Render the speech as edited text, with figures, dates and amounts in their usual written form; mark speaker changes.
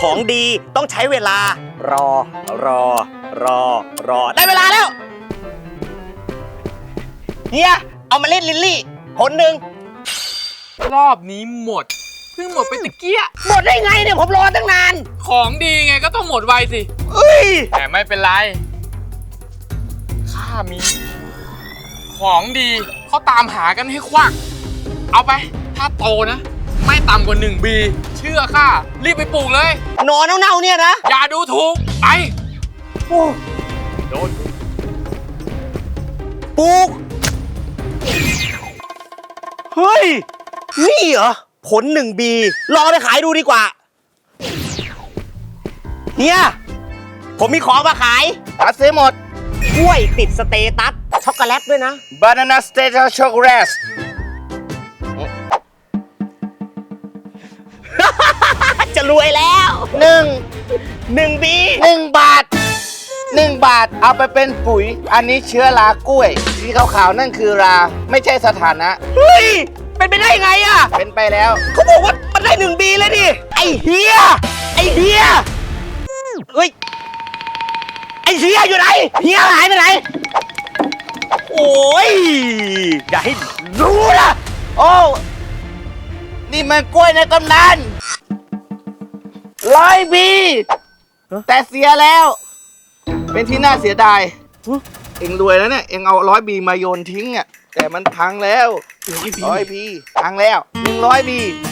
Speaker 1: ของดีต้องใช้เวลา รอ ได้เวลาแล้วเฮียเอามาเล่นลิลลี่ผลหนึ่ง
Speaker 2: รอบนี้หมดเพิ่งหมดไปตะเกีย
Speaker 1: หมดได้ไงเนี่ยผมรอตั้งนาน
Speaker 2: ของดีไงก็ต้องหมดไวสิ
Speaker 1: เอ้ย
Speaker 2: แต่ไม่เป็นไรข้ามี ของดีเขาตามหากันให้ควักเอาไป ถ้าโตนะ ไม่ต่ำกว่า1 ปีเชื่อข้ารีบไปปลูกเลย
Speaker 1: หนอนเน่าๆเนี่ยนะ
Speaker 2: อย่าดูถูกไป
Speaker 1: โอ้
Speaker 2: โดน
Speaker 1: ปลูกเฮ้ยนี่เหรอผล1 ปีลองไปขายดูดีกว่าเฮียผมมีของมาขายซื้อหมดกล้วยติดสเตตัสช็อกโกแลตด้วยนะ
Speaker 3: Banana Status Chocolate
Speaker 1: จะรวยแล้ว1 ปี
Speaker 3: 1 บาท1 บาทเอาไปเป็นปุ๋ย อันนี้เชื้อรากล้วยสีขาวๆนั่นคือราไม่ใช่สถานะ
Speaker 1: เฮ้ยเป็นไปได้ไงอ่ะ
Speaker 3: เป็นไปแล้ว
Speaker 1: เขาบอกว่ามันได้1 ปีแล้วดิไอเฮียเฮ้ยไอเฮียอยู่ไหนเฮียหายไปไหนโอ้ยอย่าให้รู้นะ
Speaker 3: โอ้ นี่มันกล้วยในตำนาน100 ปีแต่เสียแล้ว เป็นที่น่าเสียดายเอ็งรวยแล้วเนี่ย เอ็งเอา100 ปีมาโยนทิ้งอ่ะแต่มันพังแล้ว100 ปีพังแล้ว100 ปี